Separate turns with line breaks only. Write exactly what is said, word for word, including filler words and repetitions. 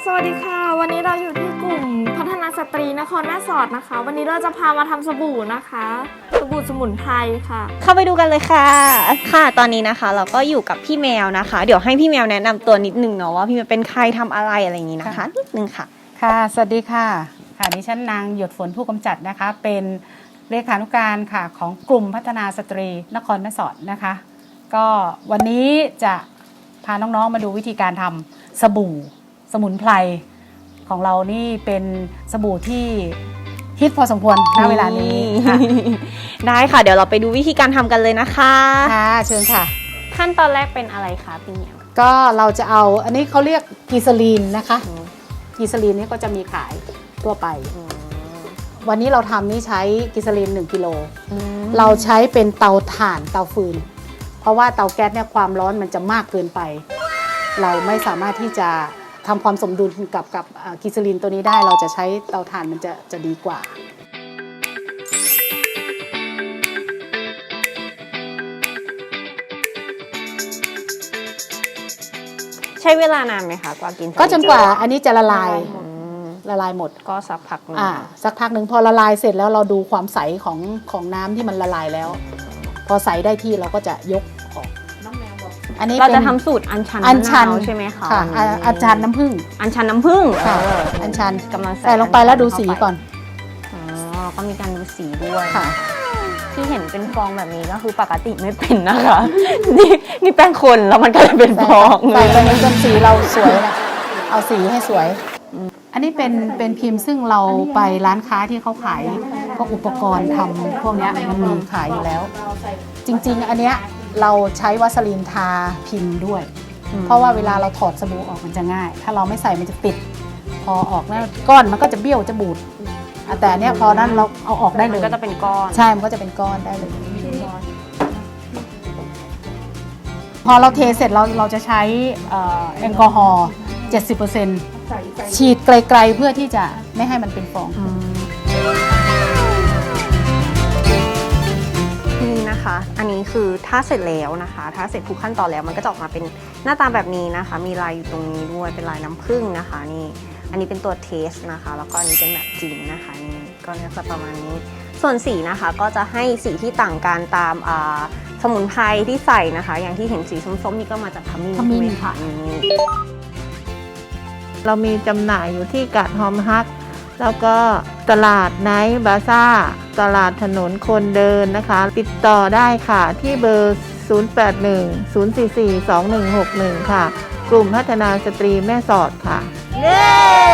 วัสดีค่ะวันนี้เราอยู่ที่กลุ่มพัฒนาสตรีนครแม่สอดนะคะวันนี้เราจะพามาทำสบู่นะคะสบู่สมุนไพรค่ะ
เข้าไปดูกันเลยค่ะค่ะตอนนี้นะคะเราก็อยู่กับพี่แมวนะคะเดี๋ยวให้พี่แมวแนะนำตัวนิดนึงเนาะว่าพี่แมวเป็นใครทำอะไรอะไรอย่างนี้นะคะนิดนึงค่ะ
ค่ะสวัสดีค่ะค่ะดิฉันนางหยดฝนผู้กำจัดนะคะเป็นเลขานุการค่ะของกลุ่มพัฒนาสตรีนครแม่สอดนะคะก็วันนี้จะพาน้องๆมาดูวิธีการทำสบู่สมุนไพรของเรานี่เป็นสบู่ที่ฮิตพอสมควรณเวลานี้ค่ะ
ได้ค่ะเดี๋ยวเราไปดูวิธีการทำกันเลยนะคะ
ค่ะเชิญค่ะ
ขั้นตอนแรกเป็นอะไรคะพี่แมว
ก็เราจะเอาอันนี้เขาเรียกกีซาลีนนะคะกีซาลีนนี่ก็จะมีขายทั่วไปวันนี้เราทำนี่ใช้กีซาลีนหนึ่งกิโลเราใช้เป็นเตาถ่านเตาฟืนเพราะว่าเตาแก๊สเนี่ยความร้อนมันจะมากเกินไปเราไม่สามารถที่จะทำความสมดุลกับกับกีซาลีนตัวนี้ได้เราจะใช้เตาถ่านมันจะจะดีกว่า
ใช้เวลานานไหมคะกว่ากิน
ก็จนกว่าอันนี้จะละลายละลายหมด
ก็สักพักนึง
อ่าสักพักหนึ่งพอละลายเสร็จแล้วเราดูความใสของของน้ำที่มันละลายแล้วพอใสได้ที่เราก็จะยกออก
อันนี้เราจะทำสูตรอัญชันอัญชันใช่ไหมคะ
ค่ะอัญชันน้ำผึ้ง
อัญชันน้ำผึ้ง
ค่ะอัญชัน
กำลัง
ใส่ลงไปแล้วดูสีก่อน
อ๋อก็มีการดูสีด้วย
ค่ะ
ที่เห็นเป็นฟองแบบนี้ก็คือปกติไม่เป็นนะคะนี่นี่แป้งคนแล้วมันก็เลยเป็นฟอง
ใส่ไปจนสีเราสวยนะเอาสีให้สวยอันนี้เป็นเป็นพิมพ์ซึ่งเราไปร้านค้าที่เขาขายพวกอุปกรณ์ทำพวกนี้มันมีขายอยู่แล้วจริงๆอันเนี้ยเราใช้วาสลีนทาพิมพ์ด้วยเพราะว่าเวลาเราถอดสบู่ออกมันจะง่ายถ้าเราไม่ใส่มันจะติดพอออกแล้วก้อนมันก็จะเบี้ยวจะบูดแต่เนี้ยพอนั้นเราเอาออกได้เลย
ก็จะเป็นก้อน
ใช่มันก็จะเป็นก้อนได้เลยพอเราเทเสร็จเราเราจะใช้แอลกอฮอล์ เจ็ดสิบเปอร์เซ็นต์ ฉีดไกลๆเพื่อที่จะไม่ให้มันเป็นฟอง
นี่นะคะอันนี้คือถ้าเสร็จแล้วนะคะถ้าเสร็จทุกขั้นตอนแล้วมันก็จะออกมาเป็นหน้าตาแบบนี้นะคะมีลายอยู่ตรงนี้ด้วยเป็นลายน้ำผึ้งนะคะนี่อันนี้เป็นตัวเทสนะคะแล้วก็อันนี้เป็นแบบจริงนะคะนี่ก็จะประมาณนี้ส่วนสีนะคะก็จะให้สีที่ต่างกันตามสมุนไพรที่ใส่นะคะอย่างที่เห็นสีส้มๆนี่ก็มาจากขมิ้น
ขมิ้นค่ะ
เรามีจำหน่ายอยู่ที่กาดฮอมฮักแล้วก็ตลาดไนท์บาซ่าตลาดถนนคนเดินนะคะติดต่อได้ค่ะที่เบอร์ ศูนย์ แปด หนึ่ง ศูนย์ สี่ สี่ สอง หนึ่ง หก หนึ่ง ค่ะกลุ่มพัฒนาสตรีแม่สอดค่ะ
เย้